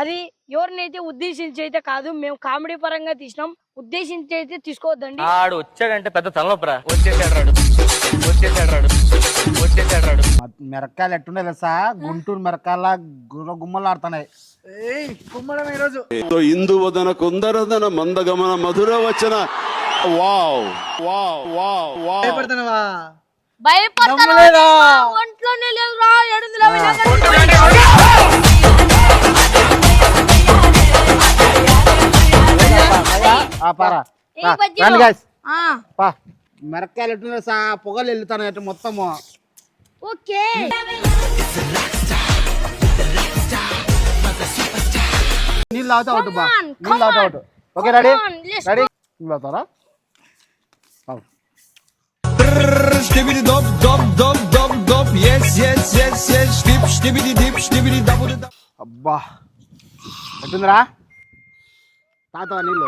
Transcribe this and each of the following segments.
అది ఎవరినైతే ఉద్దేశించి అయితే కాదు, మేము కామెడీ పరంగా తీసినాం, ఉద్దేశించి అయితే తీసుకోవద్దండి. ఆడు వచ్చాడంటే పెద్ద తలనొప్పరా. వచ్చేసాడు. మిరకాయలు ఎట్టుండే తెలుసా, గుంటూరు మిరకాయల గుమ్మలాడుతున్నాయి. కుమ్మడం ఈరోజు ఇందువదన కుందరదన మందగమన మధుర వచన. Wow wow wow wow. భయపడుతున్నావా? భయపడతారా? ఒంట్లోనే లేదురా, ఎడుందిరా మిరకాయలు ఎట్టుండే తెలుసా, పొగలు వెళ్తాను మొత్తము. ఓకే నీళ్ళు తాగుతా ఒకటి బా, నీళ్ళు తాగుతా ఒకటి. Okay ready ready. నీళ్ళు తాగుతారా? అబ్బా ఎట్టుందిరా, తాగుతావా నీళ్ళు?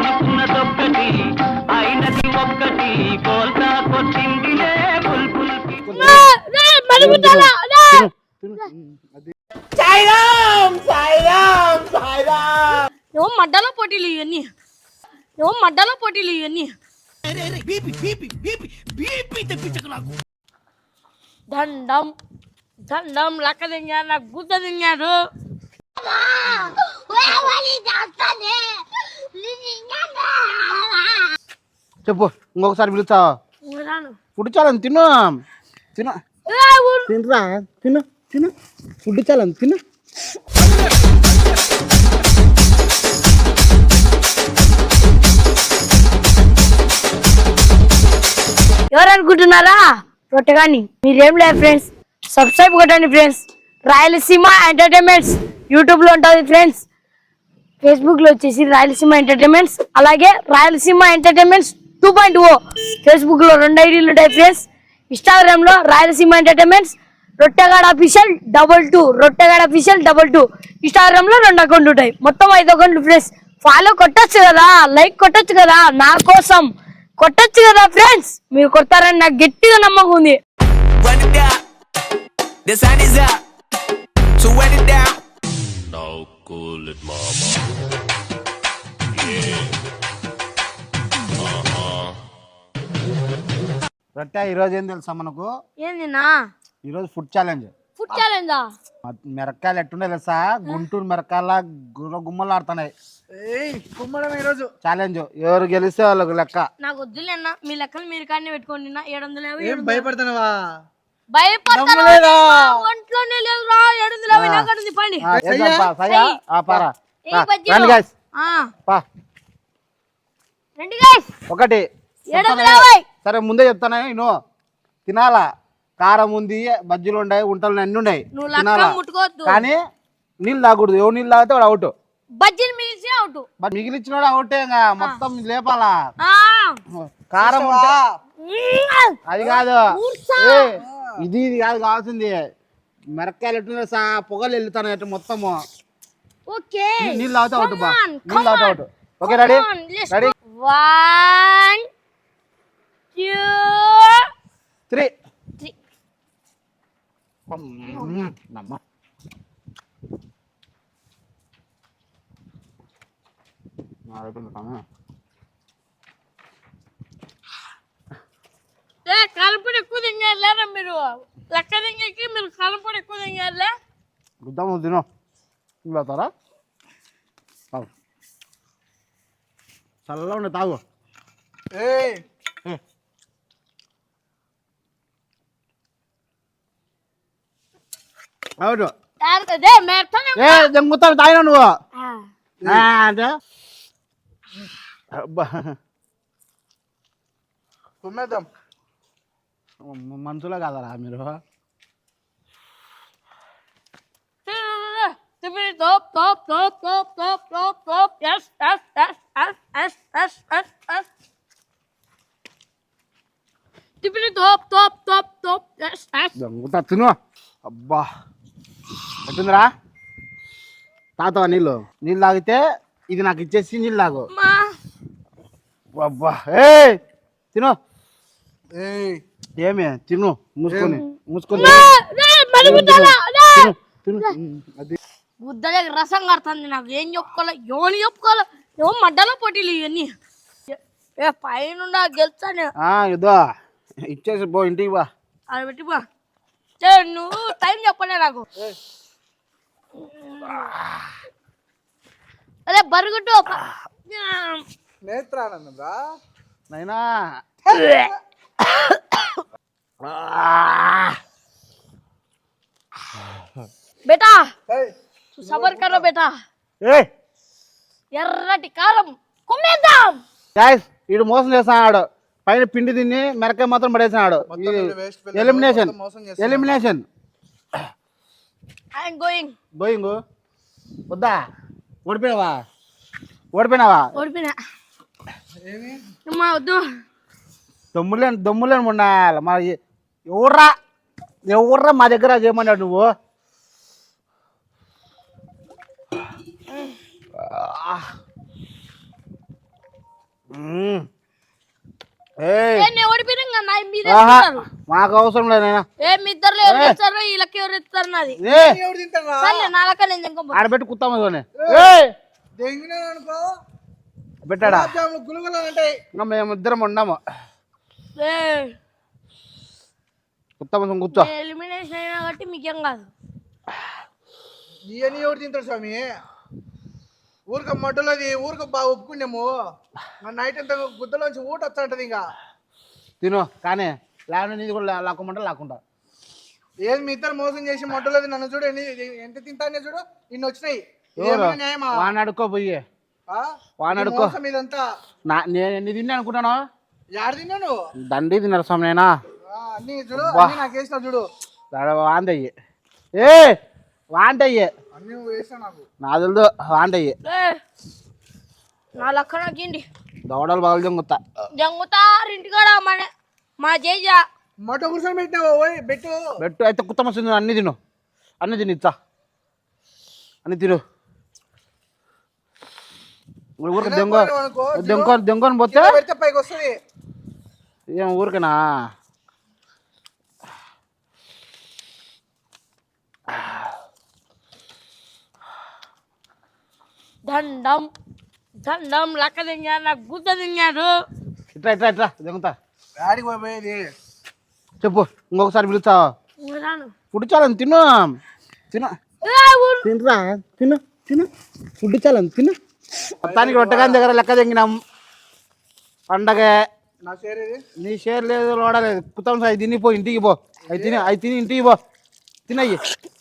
మడ్డలో పోటీలు ఇవన్నీ దండం దండం లెక్క దింగారు, నాకు గుద్ద దింగారు. చెప్పు ఇంకొకసారి పిలుస్తావా? ఫుడ్ చాలని తిను తిను తినరా, తిను తిను ఫుడ్ చాలని తిను. ఎవరు అనుకుంటున్నారా? రొట్టెగాని మీరేం లేదు ఫ్రెండ్స్, సబ్స్క్రైబ్ కొట్టండి ఫ్రెండ్స్. రాయలసీమ ఎంటర్టైన్మెంట్స్ యూట్యూబ్ లో ఉంటుంది ఫ్రెండ్స్, ఫేస్బుక్ లో వచ్చేసి రాయలసీమ ఎంటర్టైన్మెంట్స్, అలాగే రాయలసీమ ఎంటర్టైన్మెంట్స్ 2.0 ఫేస్బుక్ లో 2 ఐడీలు ఉంటాయి ఫ్రెండ్స్. ఇన్స్టాగ్రామ్ లో Rayalaseema entertainments, Rottegada official 22 Rottegada official 22. Instagram లో 2 అకౌంట్లు ఉంటాయి, మొత్తం 5 అకౌంట్లు ఫ్రెండ్స్. ఫాలో కొట్టచ్చు కదా, లైక్ కొట్టచ్చు కదా, నా కోసం కొట్టచ్చు కదా ఫ్రెండ్స్. మీరు కొడతారని నాకు గట్టిగా నమ్మకం ఉంది. రొట్టె ఈరోజు ఏం తెలుసా మనకు? ఏందినా ఈరోజు ఫుడ్ ఛాలెంజ్. ఫుడ్ ఛాలెంజా? మిరకాయలు ఎట్టుండే తెలుసా, గుంటూరు మిరకాయల గుమ్మలాడుతున్నాయి. కుమ్మడం ఈరోజు ఛాలెంజ్, ఎవరు గెలిస్తే వాళ్ళకు లెక్క. నాకు వద్దులేనా, మీ లెక్కలు మీరు కానీ పెట్టుకోండి. 700. భయపడుతున్నావా? భయపడతారా? ఒంట్లోనే లేదురా, ఎడుందిరా వినాకడుంది పని. ఒకటి సరే ముందే చెప్తాను, నేను తినాలా. కారం ఉంది, బజ్జీలు ఉన్నాయి, ఉంటలు అన్ని ఉన్నాయి, కానీ నీళ్ళు తాగకూడదు. ఎవరు నీళ్ళు తాగితే వాడు అవుట్. బజ్జీలు మిగిలిచి అవుట్. మిగిలిచ్చినోడు అవుటే, మొత్తం లేపాలా. కారం అది కాదు, ఇది ఇది కాదు కావాల్సింది. మిరకాయలు ఎట్టు సా పొగలు వెళ్తాను మొత్తము. నీళ్ళు తాగుతా అవుట్ బా, నీళ్ళు తాగుతా అవుట్. Okay ready ready. 1 2 3 కలపడి ఎక్కువ తింగారులేరా మీరు, లెక్క తింగకి మీరు కలపడి ఎక్కువ తింగారులే. గుద్దాము తిను. నీళ్ళు తాగుతారా? తాగు, చల్లగా ఉండే తాగు. అవును జంగుతాను తాగినా నువ్వు అంటే కుమ్మేద్దాం. మనుషులే కాదరా మీరు. జంగుతా తిను. అబ్బా ఎట్టుందిరా, తాగుతావా నీళ్ళు? నీళ్ళు తాగితే ఇది నాకు ఇచ్చేసి నీళ్ళు తాగు. అబ్బా ఏ తిను. ఏమే తిను, మూసుకొని మూసుకొని. అది గుద్దలే రసం కడుతుంది నాకు. ఏం చెప్పుకోవాలి, ఎవరు చెప్పుకోవాలి, ఏమో మడ్డలో పోటీలు ఇవన్నీ. ఏ పైన గెలుస్తాను. ఇదో ఇచ్చేసి పో ఇంటికి బా. అది పెట్టి బా. నువ్వు టైం చెప్పలే నాకు. అదే బరుగుట్టు నేత్రానందం రా నైనా బేటా సబర్ కరో బేటా. ఎర్రటి కారం కుమ్మేద్దాం. గాయ్స్ వీడు మోసం చేస్తున్నాడు. పైన పిండి తిని మెరకాయ మాత్రం పడేసినాడు. Elimination elimination. I'm going. Going వద్దా? ఓడిపోయినావా? ఓడిపోయినావా? ఓడిపోయినా. అమ్మా వద్దు. దమ్ములేని ఉండాలి. మా ఎవర్రా మా దగ్గర చేయమన్నాడు నువ్వు? మాకు అవసరం లేదు. ఆడబెట్టి కుత్తామా పెట్టాడా? మేము ఇద్దరం ఉన్నాము. కుత్తామ కూర్చో. ఎలిమినేషన్ అయినా కాబట్టి మీకేం కాదు. ఇవన్నీ ఎవరు తింటారు స్వామి? ఊరిక మడ్డలోది ఊరిక బాగా ఒప్పుకున్నాము. నైట్ అంతా గుద్దలోంచి ఊట వస్తుంటది. ఇంకా తిను కానీ లేకుండా నీది కూడా లాక్కోమంటే లాక్కుంటా. ఏది మీ ఇద్దరు మోసం చేసి మడ్డలోది నన్ను చూడు ఎంత తింటానే చూడు. ఇన్ని వచ్చినాయి. వాడిని అడుక్కో పోయి. వాడిని అడుక్కో. ఇదంతా నేను ఎన్ని తిన్నా అనుకుంటాను. యాడ తిన్నాను? దండి తిన్నారు స్వామి. నేనా అన్ని చూడు నాకు వేసిన చూడు. వాంతయ్యి వాంతయ్యి అన్ని వేసిన నాకు నా తెలుదు. వాంతయ్యి నా లెక్క నాకేంటి దవడలు బాగా జంగుతా జంగుతారు ఇంటికాడ. మా జేజ మటో కూర్చొని పెట్టినావు. పెట్టు పెట్టు అయితే కుత్త మస్తుంది. అన్ని తిను, అన్ని తిని ఇచ్చా, అన్ని తిను. ఊరికి దెంగని పోతే పైకి వస్తుంది. ఏం ఊరికేనా? దండం దండం లెక్క తింగారు, నాకు గుద్ద తింగారు. ఇట్లా ఇట్లా ఇట్లా దెంగుతా. డాడీకి పోయేది చెప్పు. ఇంకొకసారి పిలుస్తావా? ఫుడ్ చాలని తిను తిను తినరా తిను తిను. ఫుడ్ చాలని తిను. మొత్తానికి రొట్టెగాని దగ్గర లెక్క తెంగినాం. పండగ నా షేర్ ఏది? నీ షేర్ లేదు, లోడలేదు. కుత్తం సాయి తిని పో ఇంటికి పో. అవి తిని ఇంటికి పో. తినయ్యి.